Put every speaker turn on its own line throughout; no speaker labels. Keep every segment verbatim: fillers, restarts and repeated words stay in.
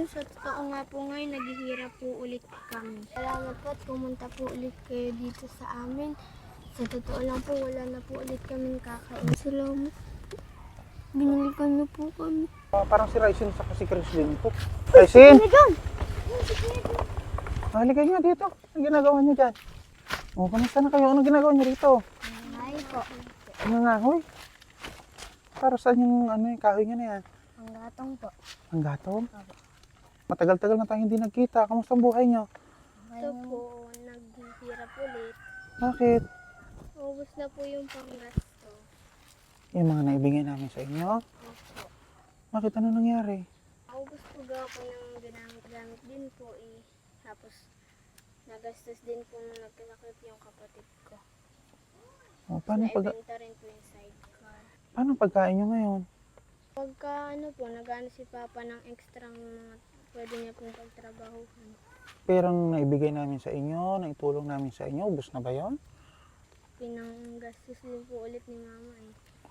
Jun, sa totoo nga po ngayon, naghihirap po ulit kami. Salamat po at pumunta po ulit kayo dito sa amin. Sa totoo lang po, wala na po ulit kaming kakain. Salamat po. Binalikan niyo po kami.
Uh, parang si Ryzen sa si Chris din po. Ryzen! Halika nyo dito. Ang ginagawa nyo dyan? O, kamusta na kayo? Anong ginagawa nyo rito?
Ay po.
Ano nga, hoy? Para saan yung ano, yung kahoy nyo na yan?
Ang gatong po.
Ang gatong? Matagal-tagal na tayo hindi nagkita. Kamusta ang buhay nyo?
Ito po, naghihirap ulit.
Bakit?
Ubus na po yung panggasto.
Yung mga naibigay namin sa inyo?
Opo.
Bakit? Ano nangyari?
Ubus po gawa po ng ginamit-gamit din po eh. Tapos, nagastos din po nung nagkasakit yung kapatid ko.
O, paano, pag,
Naibenta rin po yung sidecar.
paano pagkain nyo ngayon?
Pagka ano po, nag-ano si Papa ng extra mga pwede niya pong pagtrabahuhan.
Perang naibigay namin sa inyo, naitulong namin sa inyo, ubos na ba yun?
Pinanggastos din po ulit ni Mama eh.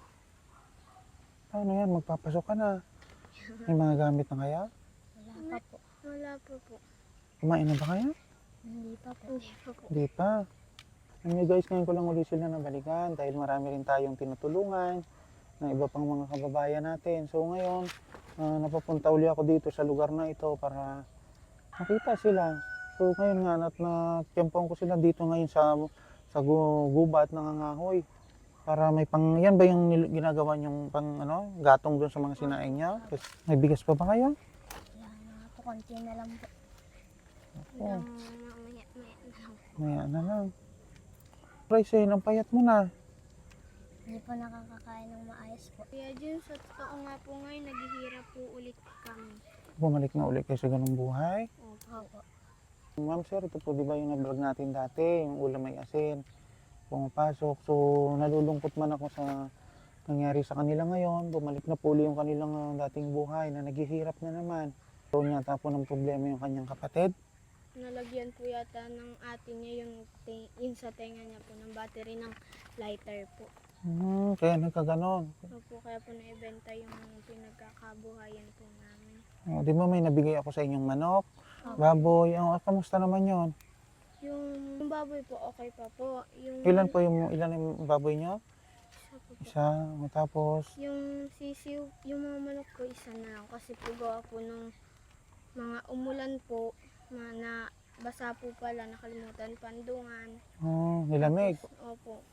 Paano yan? Magpapasok ka na. May mga gamit na kaya?
Wala pa po. Wala pa po.
Kumain na ba kayo?
Hindi pa po. Hindi pa po.
Hindi pa. Anyway guys, ngayon ko lang ulit sila nabalikan dahil marami rin tayong tinutulungan ng iba pang mga kababayan natin. So ngayon, uh, napapunta uli ako dito sa lugar na ito para makita sila. So ngayon nga, at natiyempohan ko sila dito ngayon sa sa gu- gubat ng nangangahoy. Para may pang, yan ba yung nil- ginagawa yung pang ano, gatong doon sa mga sinaing niya? Tapos, may bigas pa ba kayo?
Wala na po. Konti na lang po.
Oo.
Hanggang mamaya, maya na lang.
Maya na lang. Ryzen, ang payat mo na.
Hindi po nakakakain ng maayos po. Kaya dyan, sa totoo nga po ngayon, naghihirap po ulit kami.
Bumalik na ulit kayo sa ganung buhay.
Opo.
Ma'am sir, ito po di ba yung na-vlog natin dati, yung ulam may asin, pumapasok. So nalulungkot man ako sa nangyari sa kanila ngayon. Bumalik na po ulit yung kanilang uh, dating buhay na naghihirap na naman. So yata po ng problema yung kanyang kapatid.
Nalagyan po yata ng ate niya yung, te- yung sa tenga niya po ng battery ng lighter po.
Hmm, kaya nagkaganon.
Opo, kaya po naibenta yung pinagkakabuhayan po namin.
O, di ba may nabigay ako sa inyong manok,
Opo.
baboy, oh, kamusta naman yon?
Yung, yung baboy po, okay pa po. Yung,
Ilan po yung, ilan yung baboy nyo?
Isa po po.
Isa, o, tapos,
Yung sisiw, yung mga manok ko, isa na lang. Kasi po gawa po nung mga umulan po, na, na basa po pala, nakalimutan pandungan.
oh, nilamig.
Opo.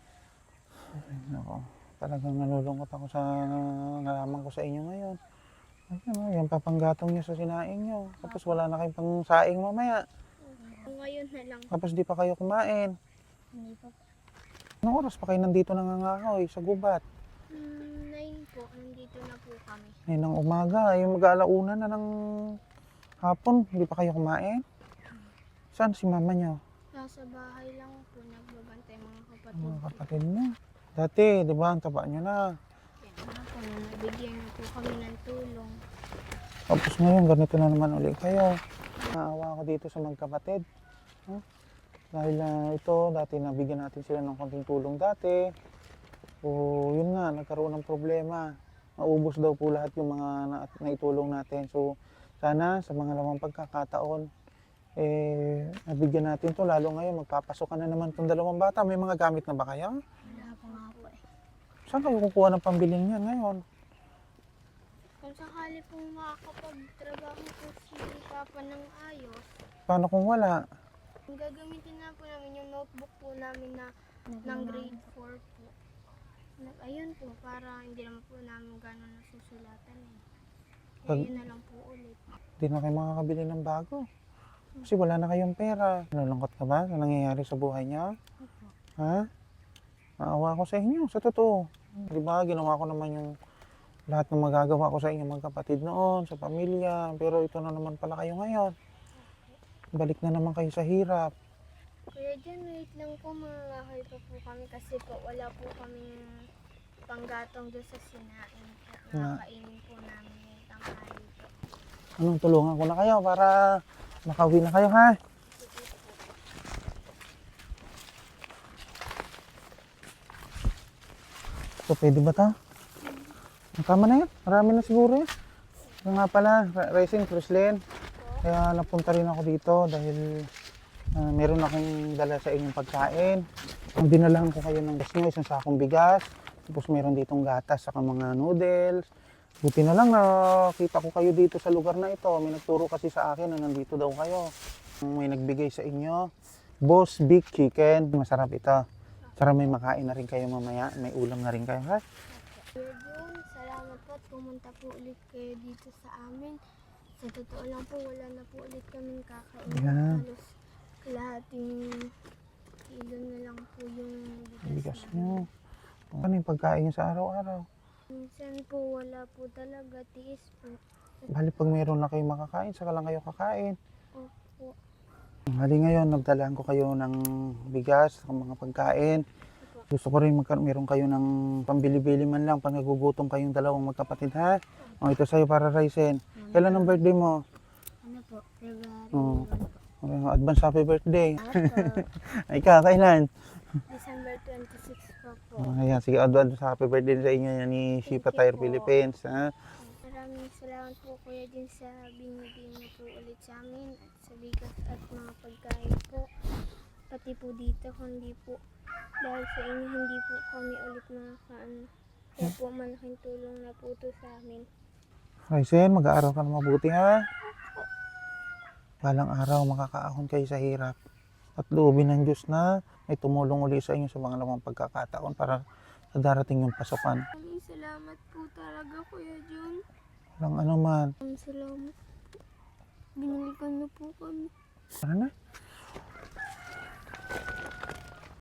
Ay, nako. Talagang nalulungkot ako sa nalaman ko sa inyo ngayon. Ayun, oh, yung papanggatong nyo sa sinaing nyo. Tapos wala na kayong pang saing mamaya.
Ngayon na lang.
Tapos di pa kayo kumain.
Hindi pa po.
Anong oras pa kayo nandito nangangahoy sa gubat?
Hmm, nine po, nandito na po kami.
Ngayon ng umaga, yung mag-aalauna na ng hapon, hindi pa kayo kumain? Saan si mama nyo?
Nasa bahay lang po, nagbabantay mga kapatid
Mga
ko.
kapatid mo. Dati, di ba, ang taba nyo na.
Kaya nga po, nabigyan niyo po kami ng tulong.
Tapos ngayon, ganito na naman ulit kayo. Naawa ako dito sa magkapatid. Huh? Dahil uh, ito, dati nabigyan natin sila ng konting tulong dati. So, yun nga, nagkaroon ng problema. Naubos daw po lahat yung mga na, naitulong natin. So, sana sa mga lamang pagkakataon, eh, nabigyan natin to. Lalo ngayon, magpapasok ka na naman itong dalawang bata. May mga gamit na ba kayo?
Wala pa nga po eh.
Saan kayo kukuha ng pambilin niyan ngayon?
Kung sakali pong makakapagtrabaho po si Papa ng ayos,
Paano kung wala?
ang gagamitin na po namin yung notebook po namin na ng grade four po. Nag- Ayun po, para hindi naman po namin gano'n nasusulatan eh. Kaya
Pag-
yun na lang po ulit.
Hindi na kayo makakabili ng bago. Kasi wala na kayong pera. Nalungkot ka ba sa nangyayari sa buhay niya?
Opo.
Ha? Naawa ko sa inyo, sa totoo. Di ba, ginawa ko naman yung lahat ng magagawa ko sa inyo magkapatid noon, sa pamilya. Pero ito na naman pala kayo ngayon. Balik na naman kayo sa hirap.
Kaya dyan, wait lang po, mangangahoy pa po kami kasi po wala po kami panggatong doon sa sinain. At
Nga.
nakakainin po namin yung tanghali po.
Anong tulungan ko na kayo para makauwi na kayo, ha? So, pwede ba ta? Tama na yan. Marami na siguro yan. So nga pala, Ra- Raisin, Crislin, kaya napunta rin ako dito dahil ah, meron akong dala sa inyong pagkain. Ang dinalahan ko kayo ng gas nyo, isang sakong bigas, tapos meron ditong gatas saka mga noodles. Buti na lang nakita ko kayo dito sa lugar na ito. May nagturo kasi sa akin na nandito daw kayo. May nagbigay sa inyo, Boss Big Chicken. Masarap ito. Para may makain na rin kayo mamaya. May ulam na rin kayo, ha?
Kuya Jun, salamat po at pumunta po ulit kayo dito sa amin. Sa totoo lang po, wala na po ulit kaming kakain.
Yeah.
Halos kalahating kilo na lang po yung bigas,
Bigas
namin.
nyo. Ano yung pagkain nyo sa araw-araw?
Minsan po wala po talaga, tiis po.
Bali pag meron na kayong makakain, saka lang kayo kakain.
Opo.
Bali ngayon, nagdalaan ko kayo ng bigas, ng mga pagkain. Gusto ko rin magka- meron kayo ng pambili-bili man lang pag nagugutom kayong dalawang magkapatid, ha? O, ito sa'yo para Raisin. Kailan ang birthday mo?
Ano po? February
Oo.
one po.
Okay, advance happy birthday.
Opo.
Ay ka, kailan?
December twenty-six pa po.
Oh, ayan, sige, advance happy birthday sa inyo yan ni Shipa
Thank you
Tire
po.
Philippines, ha?
Maraming salamat po kuya din sa binigay niyo po ulit sa amin at sa bigas at mga pagkain po. Pati po dito, kundi po dahil sa inyo hindi po kami ulit makakaano. Kaya po malaking tulong na po ito sa amin.
Raisin, mag-aaral ka na mabuti, ha? Balang araw, makakaahon kayo sa hirap. At loobin ng Diyos na may tumulong uli sa inyo sa mga lamang pagkakataon para sa darating yung pasukan.
Maraming salamat po talaga kuya Jun.
Walang ano man.
Maraming salamat po. Binalikan niyo po kami.
Tara na.